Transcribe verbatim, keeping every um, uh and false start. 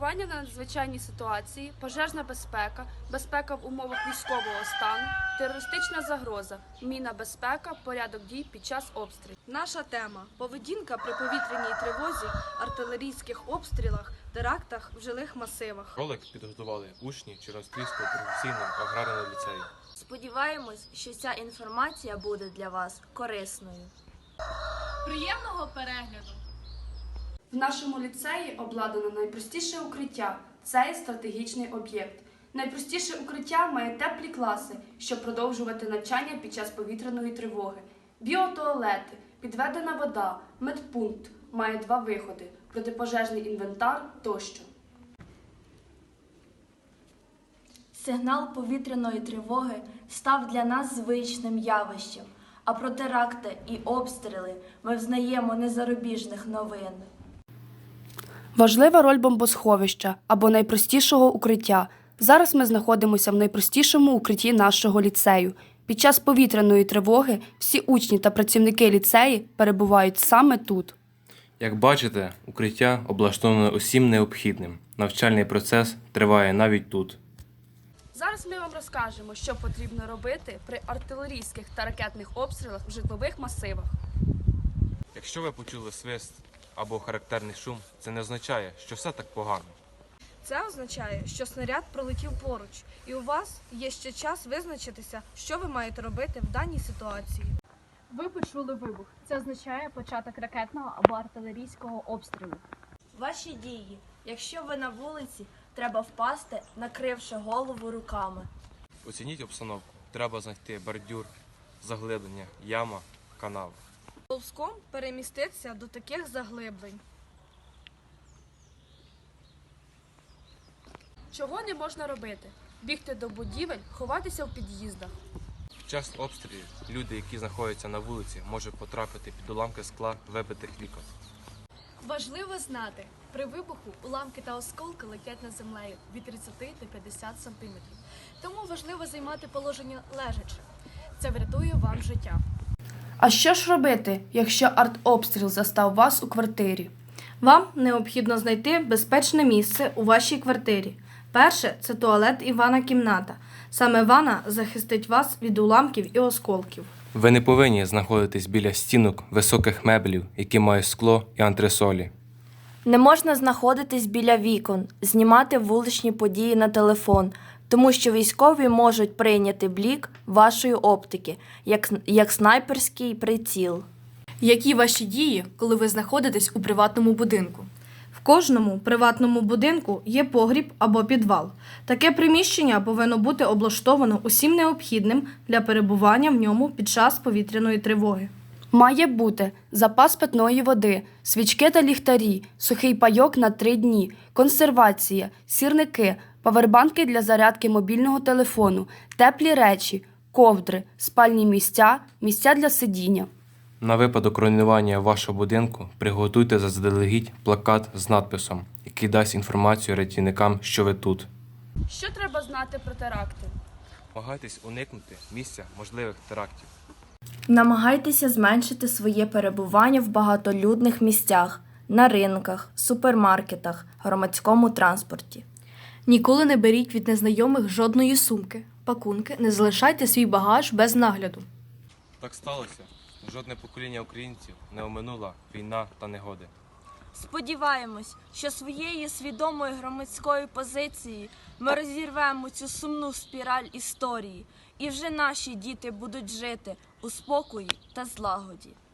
реагування на надзвичайні ситуації, пожежна безпека, безпека в умовах військового стану, терористична загроза, мінна безпека, порядок дій під час обстрілів. Наша тема – поведінка при повітряній тривозі, артилерійських обстрілах, терактах в жилих масивах. Ролик підготували учні Червоногрівського професійного аграрного ліцею. Сподіваємось, що ця інформація буде для вас корисною. Приємного перегляду! В нашому ліцеї обладнано найпростіше укриття – це стратегічний об'єкт. Найпростіше укриття має теплі класи, щоб продовжувати навчання під час повітряної тривоги. Біотуалети, підведена вода, медпункт, має два виходи – протипожежний інвентар тощо. Сигнал повітряної тривоги став для нас звичним явищем, а про теракти і обстріли ми взнаємо не з зарубіжних новин. Важлива роль бомбосховища або найпростішого укриття. Зараз ми знаходимося в найпростішому укритті нашого ліцею. Під час повітряної тривоги всі учні та працівники ліцеї перебувають саме тут. Як бачите, укриття облаштоване усім необхідним. Навчальний процес триває навіть тут. Зараз ми вам розкажемо, що потрібно робити при артилерійських та ракетних обстрілах в житлових масивах. Якщо ви почули свист або характерний шум, це не означає, що все так погано. Це означає, що снаряд пролетів поруч, і у вас є ще час визначитися, що ви маєте робити в даній ситуації. Ви почули вибух. Це означає початок ракетного або артилерійського обстрілу. Ваші дії. Якщо ви на вулиці, треба впасти, накривши голову руками. Оцініть обстановку. Треба знайти бордюр, заглиблення, яма, канал. Ползком переміститися до таких заглиблень. Чого не можна робити? Бігти до будівель, ховатися в під'їздах. Під час обстрілів люди, які знаходяться на вулиці, можуть потрапити під уламки скла вибитих вікон. Важливо знати, при вибуху уламки та осколки летять над землею від тридцяти до п'ятдесяти сантиметрів. Тому важливо займати положення лежачи. Це врятує вам життя. А що ж робити, якщо артобстріл застав вас у квартирі? Вам необхідно знайти безпечне місце у вашій квартирі. Перше – це туалет і ванна кімната. Саме ванна захистить вас від уламків і осколків. Ви не повинні знаходитись біля стінок високих меблів, які мають скло і антресолі. Не можна знаходитись біля вікон, знімати вуличні події на телефон, тому що військові можуть прийняти блік вашої оптики, як, як снайперський приціл. Які ваші дії, коли ви знаходитесь у приватному будинку? В кожному приватному будинку є погріб або підвал. Таке приміщення повинно бути облаштовано усім необхідним для перебування в ньому під час повітряної тривоги. Має бути запас питної води, свічки та ліхтарі, сухий пайок на три дні, консервація, сірники, павербанки для зарядки мобільного телефону, теплі речі, ковдри, спальні місця, місця для сидіння. На випадок руйнування вашого будинку приготуйте заздалегідь плакат з надписом, який дасть інформацію рятівникам, що ви тут. Що треба знати про теракти? Намагайтесь уникнути місця можливих терактів. Намагайтеся зменшити своє перебування в багатолюдних місцях, на ринках, супермаркетах, громадському транспорті. Ніколи не беріть від незнайомих жодної сумки, пакунки, не залишайте свій багаж без нагляду. Так сталося. Жодне покоління українців не оминула війна та негоди. Сподіваємось, що своєю свідомою громадською позицією ми розірвемо цю сумну спіраль історії, і вже наші діти будуть жити у спокої та злагоді.